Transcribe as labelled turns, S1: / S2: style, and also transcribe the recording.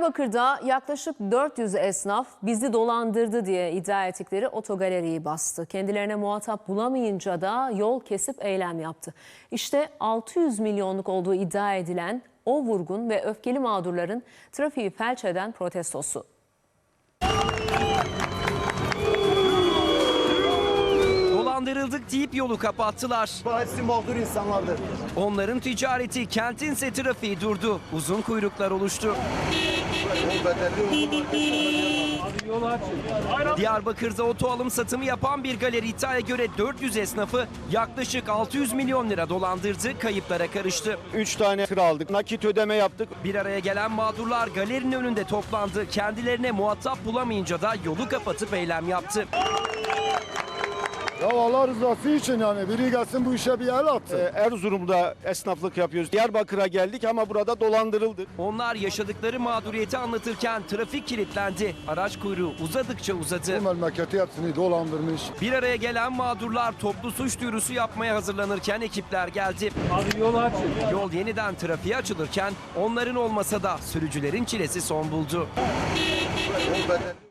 S1: Diyarbakır'da yaklaşık 400 esnaf bizi dolandırdı diye iddia ettikleri otogaleriyi bastı. Kendilerine muhatap bulamayınca da yol kesip eylem yaptı. İşte 600 milyonluk olduğu iddia edilen o vurgun ve öfkeli mağdurların trafiği felç eden protestosu.
S2: Dolandırıldık deyip yolu kapattılar.
S3: Hepsi mağdur insanlardır.
S2: Onların ticareti, kentinse trafiği durdu. Uzun kuyruklar oluştu. Diyarbakır'da oto alım satımı yapan bir galeri iddiaya göre 400 esnafı yaklaşık 600 milyon lira dolandırdı, kayıplara karıştı.
S3: 3 tane tır aldık, nakit ödeme yaptık.
S2: Bir araya gelen mağdurlar galerinin önünde toplandı. Kendilerine muhatap bulamayınca da yolu kapatıp eylem yaptı.
S4: Ya Allah rızası için yani biri gelsin bu işe bir el atsın.
S3: Erzurum'da esnaflık yapıyoruz. Diyarbakır'a geldik ama burada dolandırıldık.
S2: Onlar yaşadıkları mağduriyeti anlatırken trafik kilitlendi. Araç kuyruğu uzadıkça uzadı.
S4: Bu memleketi hepsini dolandırmış.
S2: Bir araya gelen mağdurlar toplu suç duyurusu yapmaya hazırlanırken ekipler geldi.
S5: Abi yol açın.
S2: Yol yeniden trafiğe açılırken onların olmasa da sürücülerin çilesi son buldu.